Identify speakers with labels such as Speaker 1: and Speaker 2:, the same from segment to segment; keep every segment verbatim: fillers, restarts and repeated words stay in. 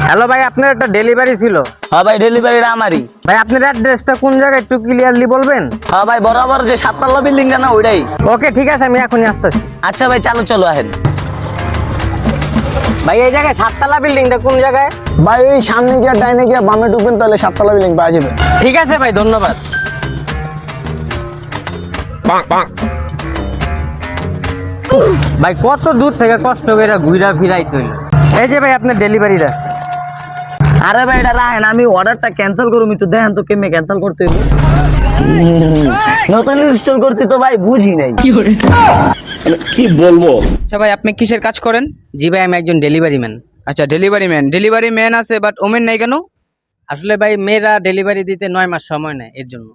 Speaker 1: Hello ভাই, আপনার একটা ডেলিভারি ছিল।
Speaker 2: হ্যাঁ ভাই, ডেলিভারিটা আমারই।
Speaker 1: ভাই আপনার অ্যাড্রেসটা কোন জায়গায় একটু ক্লিয়ারলি বলবেন?
Speaker 2: হ্যাঁ ভাই, বরাবর যে সাততলা বিল্ডিংটা না ওইটাই।
Speaker 1: ওকে ঠিক আছে, আমি এখনই আসতেছি।
Speaker 2: আচ্ছা ভাই, চালু চলো আহেন।
Speaker 1: ভাই এই জায়গায় সাততলা বিল্ডিংটা কোন জায়গায়?
Speaker 3: ভাই ওই সামনে গিয়ে ডাইনে গিয়ে বামে ঢুকবেন, তাহলে সাততলা বিল্ডিং পাওয়া যাবে।
Speaker 1: ঠিক আছে ভাই, ধন্যবাদ। ভাই কত দূর থেকে কষ্ট করে ঘুরা ফিরাই তৈল। এই যে ভাই আপনার ডেলিভারিটা।
Speaker 2: আরে ভাই এটা রাখেন, আমি অর্ডারটা ক্যান্সেল করুম, একটু দেখেন তো কেমনে ক্যান্সেল করতে হইব। নতুন ইনস্টল করছি তো ভাই, বুঝি নাই
Speaker 3: কি বলবো।
Speaker 4: আচ্ছা ভাই, আপনি কিসের কাজ করেন?
Speaker 1: জি ভাই, আমি একজন ডেলিভারি ম্যান।
Speaker 4: আচ্ছা, ডেলিভারি ম্যান। ডেলিভারি ম্যান আছে, বাট ওমেন নাই কেন?
Speaker 1: আসলে ভাই মেয়েরা ডেলিভারি দিতে নয় মাস সময় নেয়, এর জন্য।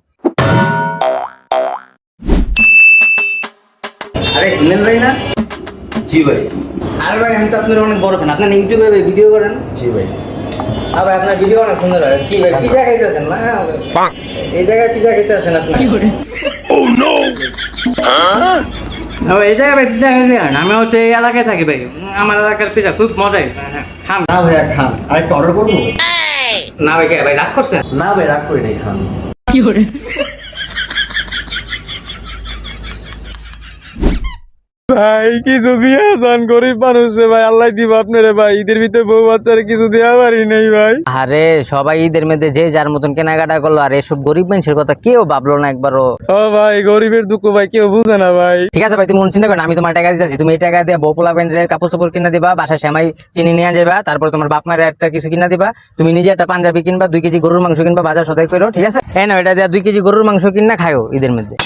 Speaker 1: আরে হিমেল ভাই না?
Speaker 3: জি ভাই।
Speaker 1: আরে ভাই আমি তো আপনার অনেক বড় ফ্যান। আপনার ইউটিউবে ভিডিও করেন?
Speaker 3: জি ভাই।
Speaker 1: হ্যাঁ ভাই, আপনার ভিডিও অনেক সুন্দর হয়। কি ভাই পিজা খাইতেছেন না? এই জায়গায় পিজা খাইতে আসেন আপনি? ও নো। হ্যাঁ এই জায়গায় ভাই পিজা খাইতে আসেন। আমি হচ্ছে এই এলাকায় থাকি ভাই। আমার এলাকার পিজা খুব মজাই। খান
Speaker 3: না ভাইয়া খান, আরেকটা অর্ডার করবো।
Speaker 1: না ভাই, কে ভাই রাগ করছেন?
Speaker 3: না ভাই রাগ করি নাই, খান। ভাই কিছু দিয়া যান, গরিব মানুষ ভাই, আল্লাহ দিব আপনারে ভাই। ঈদের ভিতরে বউ বাচ্চারে কিছু দেওয়া পারি নাই ভাই।
Speaker 1: আরে সবাই ঈদের মধ্যে যে যার মতন কেনাকাটা করলো, আর এসব গরিব মানুষের কথা কেউ ভাবলো না একবারও।
Speaker 3: ও ভাই, গরিবের দুঃখ ভাই কেউ বুঝে না ভাই।
Speaker 1: ঠিক আছে ভাই, তুমি মন চিন্তা করো না, আমি তোমার টাকা দিতেছি। তুমি এই টাকা দিয়ে বউ পোলা প্যান্ডের কাপড় চোপড় কিনা দিবা, বাসায় সেমাই চিনি নিয়ে যাবা, তারপর তোমার বাপ মায়ের একটা কিছু কিনা দিবা। তুমি নিজে একটা পাঞ্জাবি কিনবা, দুই কেজি গরুর মাংস কিনবা, বাজার সদাই করো, ঠিক আছে? এই না, এটা দিয়ে দুই কেজি গরুর মাংস কিনা খায়ো ঈদের মধ্যে।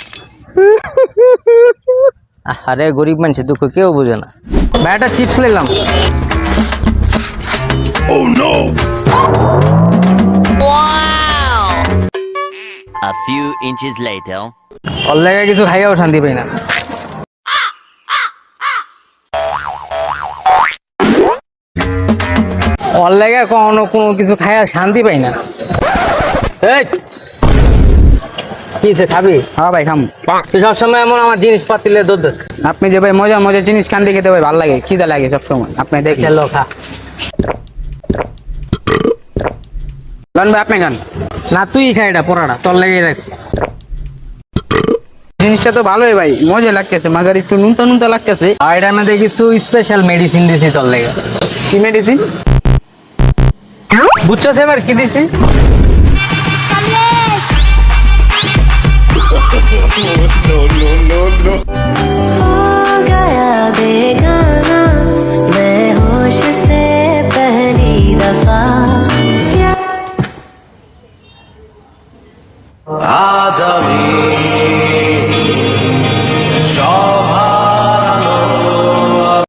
Speaker 1: আরে গরিব মানুষের দুঃখ কেউ বুঝে না ভাই। একটা চিপস নিলাম।
Speaker 5: A few inches later.
Speaker 1: ওর লেগে কিছু খাইয়াও শান্তি পাই না। ওর লেগে কখনো কোনো কিছু খাইয়া শান্তি পাই না। এই কিসে খাবি?
Speaker 4: হ্যাঁ ভাই, খাম।
Speaker 1: তুই সবসময় এমন আমার জিনিসপাতি দোষ দোষ।
Speaker 4: আপনি যে ভাই মজা মজা জিনিস কান দিয়ে খেতে ভাই ভালো লাগে, খিদা লাগে সবসময়। আপনি দেখছেন
Speaker 1: চলো খা।
Speaker 4: লন ভাই, আপনি খান।
Speaker 1: না তুই খা, এটা পোড়াটা তোর লেগে রাখছি।
Speaker 4: জিনিসটা তো ভালোই ভাই, মজা লাগতেছে, মাগার একটু নুনতা নুনতা লাগতেছে।
Speaker 1: আর এটার মধ্যে কিছু স্পেশাল মেডিসিন দিছি তোর লেগে।
Speaker 4: কি মেডিসিন?
Speaker 1: বুঝছো এবার কি দিছি?
Speaker 6: हो गया बेगाना मैं होश से पहली दफा
Speaker 7: आज আমি